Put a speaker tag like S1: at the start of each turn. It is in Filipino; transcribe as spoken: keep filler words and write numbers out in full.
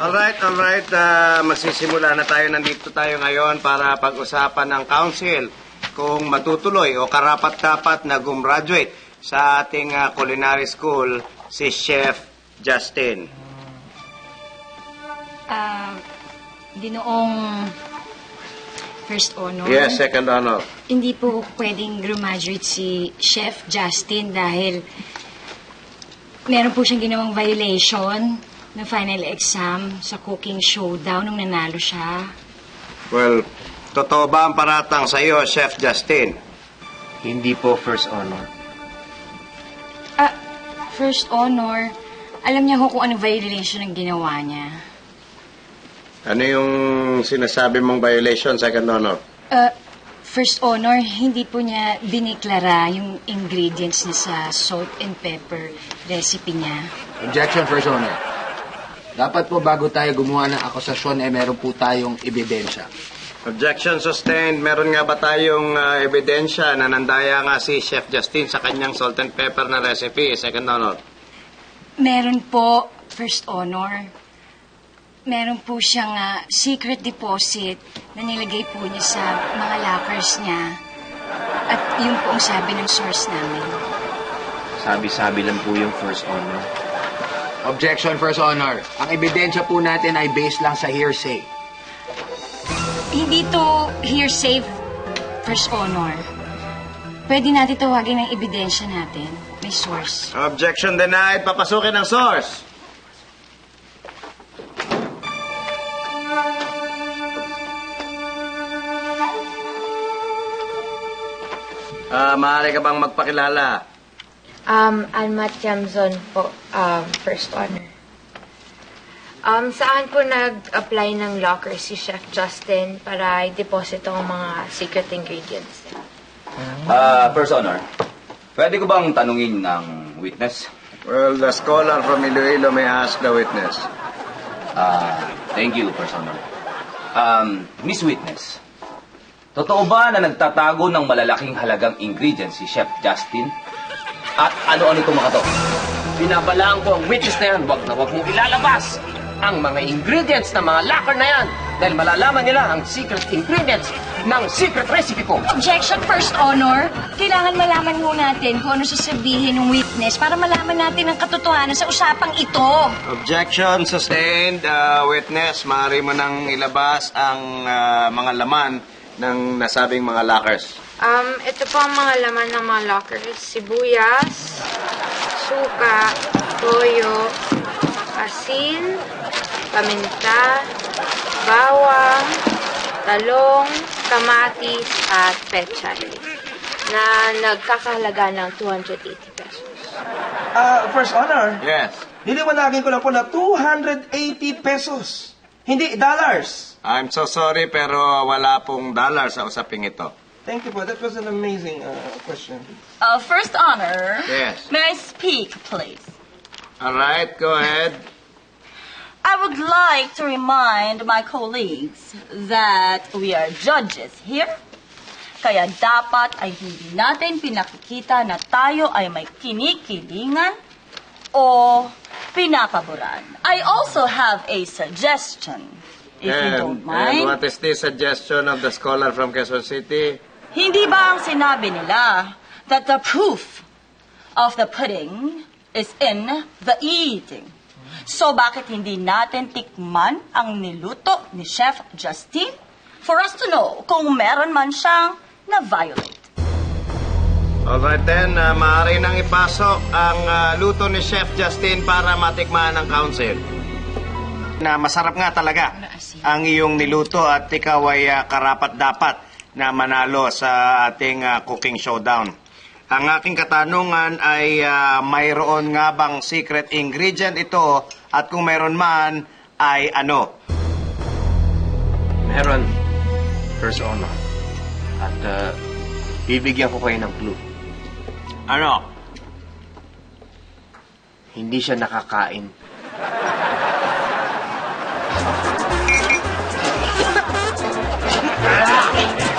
S1: Alright, alright. Uh, magsisimula na tayo. Nandito tayo ngayon para pag-usapan ng council kung matutuloy o karapat-dapat na gumraduate sa ating uh, culinary school si Chef Justin.
S2: Ah, uh, Dinoong first honor.
S1: Yes, second honor.
S2: Hindi po pwedeng graduate si Chef Justin dahil meron po siyang ginawang violation ng final exam sa cooking showdown nung nanalo siya.
S1: Well, totoo ba ang paratang sa iyo, Chef Justin?
S3: Hindi po first honor.
S2: Ah, first honor. Alam niya ho kung anong violation ang ginawa niya.
S1: Ano yung sinasabi mong violation, second honor?
S2: Uh, first honor, hindi po niya diniklara yung ingredients niya sa salt and pepper recipe niya.
S3: Objection, first honor. Dapat po bago tayo gumawa ng akusasyon, eh meron po tayong ebidensya.
S1: Objection sustained. Meron nga ba tayong uh, ebidensya na nandaya nga si Chef Justin sa kanyang salt and pepper na recipe, second honor?
S2: Meron po, first honor. Meron po siyang uh, secret deposit na nilagay po niya sa mga lockers niya. At yun po ang sabi ng source namin.
S4: Sabi-sabi lang po yung first honor.
S3: Objection, first honor. Ang ebidensya po natin ay based lang sa hearsay.
S2: Hindi to hearsay, first honor. Pwede natin tawagin ng ebidensya natin. May source.
S1: Objection denied. Papasukin ang source. Uh, maaari ka bang magpakilala?
S5: Um, Alma Tiamzon po, um, first honor. Um, saan po nag-apply ng locker si Chef Justin para i-deposit ang mga secret ingredients?
S4: Ah, uh, first honor. Pwede ko bang tanungin ng witness?
S1: Well, the scholar from Iloilo may ask the witness.
S4: Ah, uh, thank you, first honor. Um, Miss Witness, totoo ba na nagtatago ng malalaking halagang ingredients si Chef Justin? At ano-ano itong mga to?
S6: Binabalaan ko ang witness na yan, wag na wag mong ilalabas ang mga ingredients ng mga locker na yan dahil malalaman nila ang secret ingredients ng secret recipe ko.
S2: Objection, first honor. Kailangan malaman mo natin kung ano sasabihin ng witness para malaman natin ang katotohanan sa usapang ito.
S1: Objection sustained. Uh, witness, maaari mo nang ilabas ang uh, mga laman ng nasabing mga lockers.
S5: Um, ito po ang mga laman ng mga lockers. Sibuyas, suka, toyo, asin, paminta, bawang, talong, kamatis, at pechay na nagkakahalaga ng two hundred eighty pesos.
S7: Ah, uh, first honor.
S1: Yes.
S7: Niliwanagin ko lang po na two hundred eighty pesos. Hindi dollars.
S1: I'm so sorry pero wala pong dollar sa usaping ito.
S7: Thank you po. That was an amazing uh, question.
S8: Uh, first honor.
S1: Yes.
S8: May I speak, please?
S1: All right, go ahead.
S8: I would like to remind my colleagues that we are judges here. Kaya dapat ay hindi natin pinakikita na tayo ay may kinikilingan o pinapaboran. I also have a suggestion, if
S1: and,
S8: you don't mind.
S1: And what is the suggestion of the scholar from Quezon City?
S8: Hindi ba ang sinabi nila that the proof of the pudding is in the eating? So bakit hindi natin tikman ang niluto ni Chef Justin for us to know kung meron man siyang na-violate?
S1: Alright then, uh, maaari nang ipasok ang uh, luto ni Chef Justin para matikman ng council. Na masarap nga talaga ang iyong niluto at ikaw ay uh, karapat-dapat na manalo sa ating uh, cooking showdown. Ang aking katanungan ay uh, mayroon nga bang secret ingredient ito at kung mayroon man ay ano?
S3: Meron, first honor. At uh, bibigyan ko kayo ng clue.
S1: Ano?
S3: Hindi siya nakakain.
S6: Ah!